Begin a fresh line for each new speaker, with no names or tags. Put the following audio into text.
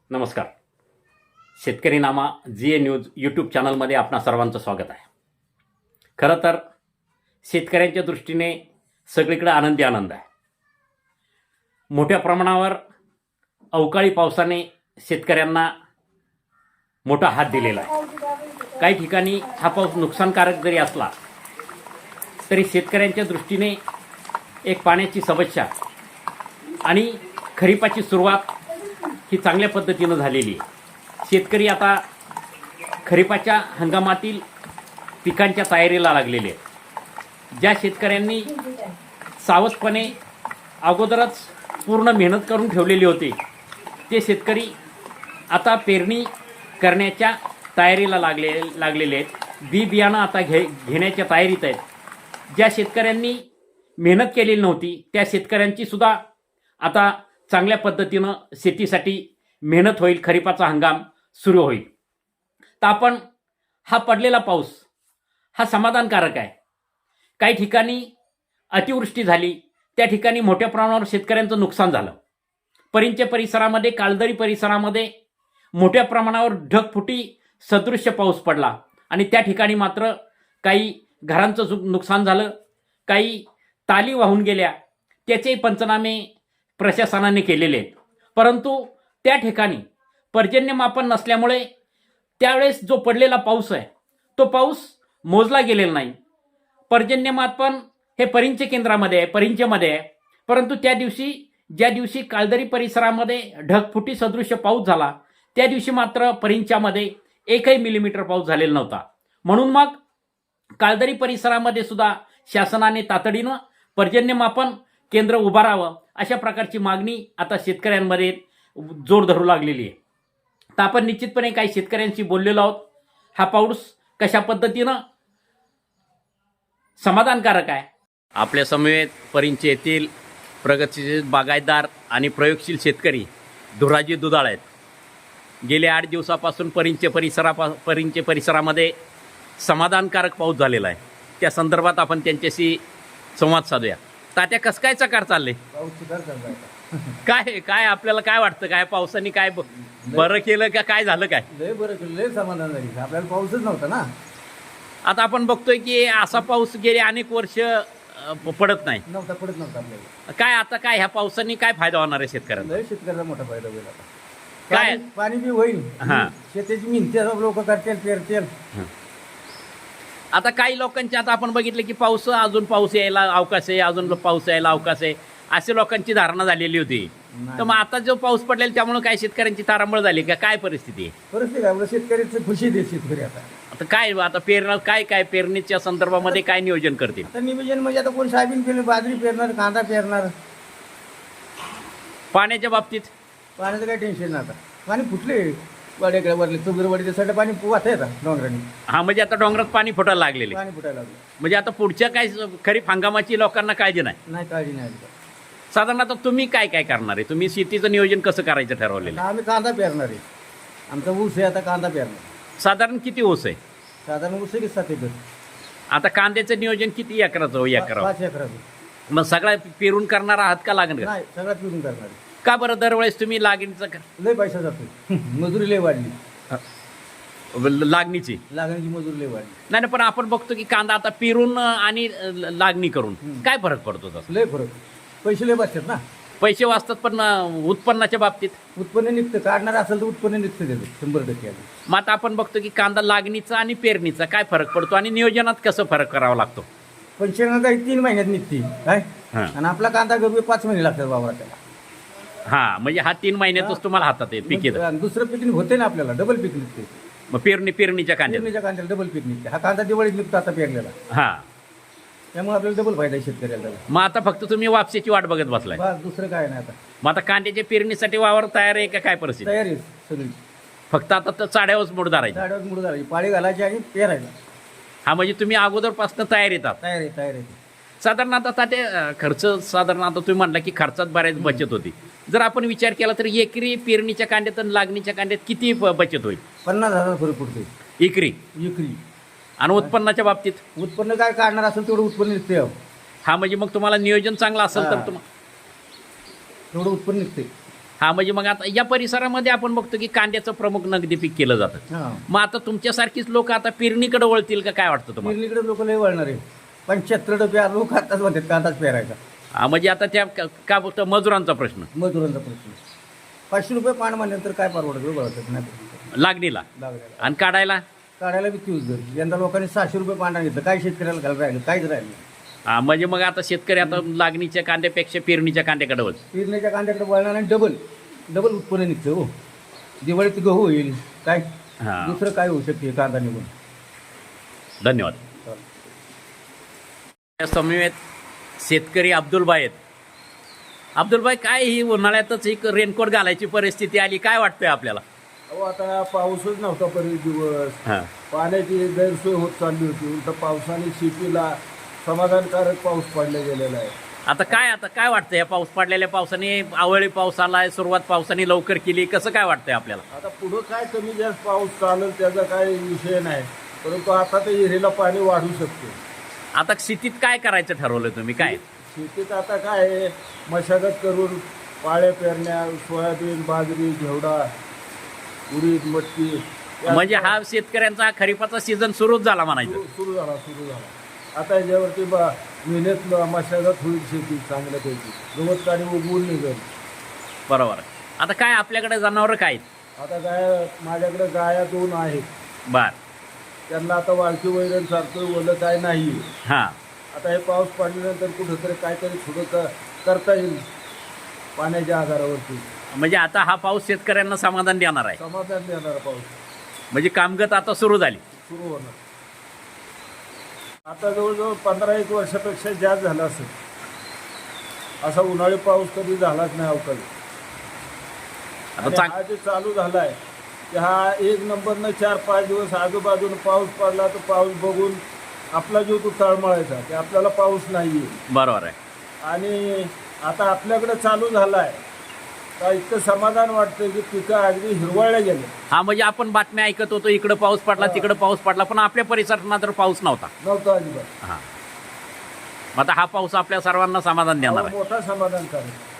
नमस्कार. शेतकरी नामा जी ए news YouTube चॅनलमध्ये आपणा सर्वांचं स्वागत आहे. खरं तर शेतकऱ्यांच्या दृष्टीने सगळीकडे आनंदी आनंद आहे. मोठ्या प्रमाणावर अवकाळी पावसाने शेतकऱ्यांना मोठा हात दिलेला आहे. काही ठिकाणी हा पाऊस नुकसानकारक जरी असला तरी शेतकऱ्यांच्या दृष्टीने एक पाण्याची समस्या आणि खरीपाची सुरुवात ही चांगल्या पद्धतीनं झालेली आहे. शेतकरी आता खरीपाच्या हंगामातील पिकांच्या तयारीला लागलेले आहेत. ज्या शेतकऱ्यांनी सावधपणे अगोदरच पूर्ण मेहनत करून ठेवलेली होती ते शेतकरी आता पेरणी करण्याच्या तयारीला लागलेले आहेत. बी बियाणं आता घेण्याच्या तयारीत आहेत. ज्या शेतकऱ्यांनी मेहनत केलेली नव्हती त्या शेतकऱ्यांची सुद्धा आता चांगल्या पद्धतीनं शेतीसाठी मेहनत होईल. खरीपाचा हंगाम सुरू होईल. तर आपण हा पडलेला पाऊस हा समाधानकारक आहे. काही ठिकाणी अतिवृष्टी झाली, त्या ठिकाणी मोठ्या प्रमाणावर शेतकऱ्यांचं नुकसान झालं. परिंचे परिसरामध्ये, काळदरी परिसरामध्ये मोठ्या प्रमाणावर ढगफुटी सदृश्य पाऊस पडला आणि त्या ठिकाणी मात्र काही घरांचं नुकसान झालं, काही ताली वाहून गेल्या. त्याचेही पंचनामे प्रशासनाने केलेले आहेत. परंतु त्या ठिकाणी पर्जन्यमापन नसल्यामुळे त्यावेळेस जो पडलेला पाऊस आहे तो पाऊस मोजला गेलेला नाही. पर्जन्यमापन हे परिंचे केंद्रामध्ये आहे, परिंचेमध्ये आहे. परंतु त्या दिवशी ज्या दिवशी काळदरी परिसरामध्ये ढगफुटी सदृश्य पाऊस झाला त्या दिवशी मात्र परिंच्यामध्ये 1 मिलीमीटर पाऊस झालेला नव्हता. म्हणून मग काळदरी परिसरामध्ये सुद्धा शासनाने तातडीनं पर्जन्यमापन केंद्र उभारावं अशा प्रकारची मागणी आता शेतकऱ्यांमध्ये जोर धरू लागलेली आहे. तर आपण निश्चितपणे काही शेतकऱ्यांशी बोललेलो आहोत. हा पाऊस कशा पद्धतीनं समाधानकारक आहे. आपल्या समवेत परिंचे येथील प्रगतशील बागायतदार आणि प्रयोगशील शेतकरी धुराजी दुधाळ आहेत. गेल्या 8 दिवसापासून परिंचे परिसरामध्ये समाधानकारक पाऊस झालेला आहे. त्या संदर्भात आपण त्यांच्याशी संवाद साधूया. तात्या, कसं काय चकार चालले? काय काय आपल्याला काय वाटतं? काय पावसाने काय बरं केलं का काय झालं? काय
लय बरं केलं, लय समाधान झाली. आपल्याला पाऊसच नव्हता ना.
आता आपण बघतोय की असा पाऊस गेले अनेक वर्ष पडत नाही.
नव्हता आपल्याला.
काय आता काय ह्या पावसाने काय फायदा होणार आहे शेतकऱ्यांना?
लय शेतकऱ्याला मोठा फायदा होईल. आता
काय
पाणी बी होईल.
हा.
शेतीची मिनते लोक करतील, पेरतील.
आता काही लोकांचे आता आपण बघितलं की अजून पाऊस यायला अवकाश आहे, अजून पाऊस यायला अवकाश आहे अशी लोकांची धारणा झालेली होती. तर मग आता जो पाऊस पडलेला त्यामुळे काय शेतकऱ्यांची तारांबळ झाली का? काय परिस्थिती आहे?
परिस्थिती आपल्या शेतकऱ्याचं खुशी दे शेतकरी. आता
काय आता काय पेरणीच्या संदर्भामध्ये काय नियोजन करतील?
आता नियोजन म्हणजे आता कोण सोयाबीन पेरणार, बाजरी पेरणार, कांदा पेरणार.
पाण्याच्या बाबतीत
पाण्याचं काही टेन्शन नाही. आता पाणी फुटले वाड्याकडे वरले चुबरवाडीच्या साईड पाणी वाहत आहे आता डोंगराने.
हा, म्हणजे आता डोंगरात पाणी फुटायला लागलेले.
पाणी फुटायला लागलं
म्हणजे आता पुढच्या काय खरीप हंगामाची लोकांना काळजी नाही.
काळजी नाही.
साधारण आता तुम्ही काय करणार आहे? तुम्ही शेतीचं नियोजन कसं करायचं ठरवलेलं?
आम्ही कांदा पेरणार आहे. आमचा ऊस आहे, आता कांदा पेरणार.
साधारण किती ऊस आहे?
साधारण ऊस आहे की 7 एकर.
आता कांद्याचं नियोजन किती एकराचं? 1 एकर.
5 एकराचं.
मग सगळा पेरून करणार आहात का लागण?
नाही, सगळ्यात पेरून करणार.
का बरं दरवेळेस तुम्ही लागणीचं
लय पैसा जातो. मजुरी लय वाढली.
लागणीची
मजुरी लय वाढली.
नाही, पण आपण बघतो की कांदा आता पेरून आणि लागणी करून काय फरक पडतो? तसं
लय फरक. पैसे लय बसतात ना.
पैसे वाचतात, पण उत्पन्नाच्या बाबतीत
उत्पन्न निघतं. काढणार असेल तर उत्पन्न निघतं त्याचं 100%.
मग आता आपण बघतो की कांदा लागणीचा आणि पेरणीचा काय फरक पडतो आणि नियोजनात कसं फरक करावा लागतो?
पंचेंगा काही 3 महिन्यात निघते काय, आणि आपला कांदा गरबे 5 महिने लागतात बाबा त्याला.
हा, म्हणजे हा 3 महिन्यातच तुम्हाला हातात आहे पीक येतं.
दुसरं पीक होते ना आपल्याला, डबल पीक निघते.
मग पेरणीच्या कांद्याला
डबल पीक निघते. हा कांदा दिवाळीत निघतो आता पेरलेला.
हा,
त्यामुळे आपल्याला डबल फायदा आहे शेतकऱ्याला.
मग आता फक्त तुम्ही वापसीची वाट बघत बसलाय?
बस, दुसरं काय नाही. आता
मग आता कांद्याच्या पेरणीसाठी वावर तयार आहे का? काय परिस्थिती?
तयारी आहे सगळी.
फक्त आता तर चाड्यावरच मूड धरायची.
झाडावर मुड झाली, पाळी घालायची आणि पेरायला.
हा, म्हणजे तुम्ही अगोदरपासून तयार येतात.
तयार आहे.
साधारण आता ते खर्च साधारण आता तुम्ही म्हणला की खर्चात बऱ्याच बचत होती. जर आपण विचार केला तर एकरी पेरणीच्या कांद्यात आणि लागणीच्या कांद्यात किती बचत होईल?
50,000 फरक पडतो
एकरी. आणि उत्पन्नाच्या बाबतीत
उत्पन्न काय काढणार असेल तेवढं उत्पन्न निघते.
हा, म्हणजे मग तुम्हाला नियोजन चांगलं असेल तर
तेवढं उत्पन्न निघते.
हा म्हणजे मग आता या परिसरामध्ये आपण बघतो की कांद्याचं प्रमुख नगदी पीक केलं जातं.
हां
मग आता तुमच्यासारखीच लोक आता पेरणीकडे वळतील का, काय वाटतं तुम्हाला?
पेरणीकडे लोक लय वळणार आहे. 75% लोक आताच म्हणतात कांदाच पेरायचा.
हा म्हणजे आता त्या का बघतो मजुरांचा प्रश्न
मजुरांचा प्रश्न. 500 रुपये पाण म्हणल्यानंतर काय परवडत बघत नाही
लागणीला
लागलेला.
आणि काढायला.
काढायला बी तीच दर. यंदा लोकांनी 600 रुपये पांढरा घेतलं. काय शेतकऱ्याला घाल राहिलं? काहीच राहिलं नाही.
हा म्हणजे मग आता शेतकरी आता लागणीच्या कांद्यापेक्षा पेरणीच्या कांद्याकडे वळतील.
पेरणीच्या कांद्याकडे वळणार आणि डबल उत्पन्न निघतं हो. दिवाळीत गहू होईल. काय
हा
दुसरं काय होऊ शकते कांदा निघून.
धन्यवाद. या समवेत शेतकरी अब्दुलबाई आहेत. अब्दुलबाई, काय ही उन्हाळ्यातच एक रेनकोट घालायची परिस्थिती आली, काय वाटतंय आपल्याला?
अहो आता पाऊसच नव्हता बरेच दिवस.
हा
पाण्याची गैरसोय होत चालली होती. उलट पावसाने शेतीला समाधानकारक पाऊस पडला गेलेला आहे.
आता काय वाटतं या पाऊस पडलेल्या पावसाने, अवळी पाऊस आलाय, सुरुवात पावसाने लवकर केली, कसं काय वाटतंय आपल्याला?
आता पुढं काय कमी जास्त पाऊस चालेल त्याचा काही विषय नाही, परंतु आता ते विहिरीला पाणी वाढू शकते.
आता शेतीत काय करायचं ठरवलं तुम्ही? काय
शेतीत आता काय आहे, मशागत करून पाळ्या पेरण्या, सोयाबीन, बाजरी, घेवडा, उडीद, मटकी
म्हणजे हा शेतकऱ्यांचा खरीपाचा सीझन सुरूच झाला म्हणायचं.
सुरू झाला. आता याच्यावरती मेहनत मशागत होईल शेती चांगल्यापैकी. गवत काढी उगवून निघेल.
बरोबर. आता काय आपल्याकडे जनावरं काय आहेत?
आता माझ्याकडे गाया 2 आहेत.
बर.
त्यांना आता वाळकी वैरण सारखं ओलं काय नाही.
हा
आता हे पाऊस पडल्यानंतर कुठंतरी काहीतरी थोडं करता येईल पाण्याच्या आधारावरती.
म्हणजे आता हा पाऊस शेतकऱ्यांना समाधान देणार आहे.
समाधान देणारा पाऊस
म्हणजे कामगत आता सुरू झाली.
सुरू होणार. आता जवळजवळ 15-1 वर्षापेक्षा जास्त झाला असेल. असा उन्हाळी पाऊस कधी झालाच नाही अवकाळी.
आता
आणि
चांग
हा जे चालू झालाय की हा 1 नंबरनं 4-5 दिवस आजूबाजून पाऊस पडला तर पाऊस बघून आपला जीव तो तळमळायचा की आपल्याला पाऊस नाहीये.
बरोबर आहे.
आणि आता आपल्याकडे चालू झालाय तर इतकं समाधान वाटतं की पिकं अगदी हिरवळल्या गेले.
हा म्हणजे आपण बातम्या ऐकत होतो, इकडं पाऊस पडला, तिकडं पाऊस पडला, पण आपल्या परिसरात मात्र पाऊस नव्हता.
नव्हतं अजिबात.
हा. आता हा पाऊस आपल्या सर्वांना समाधान देणार आहे.
मोठा समाधानकारक.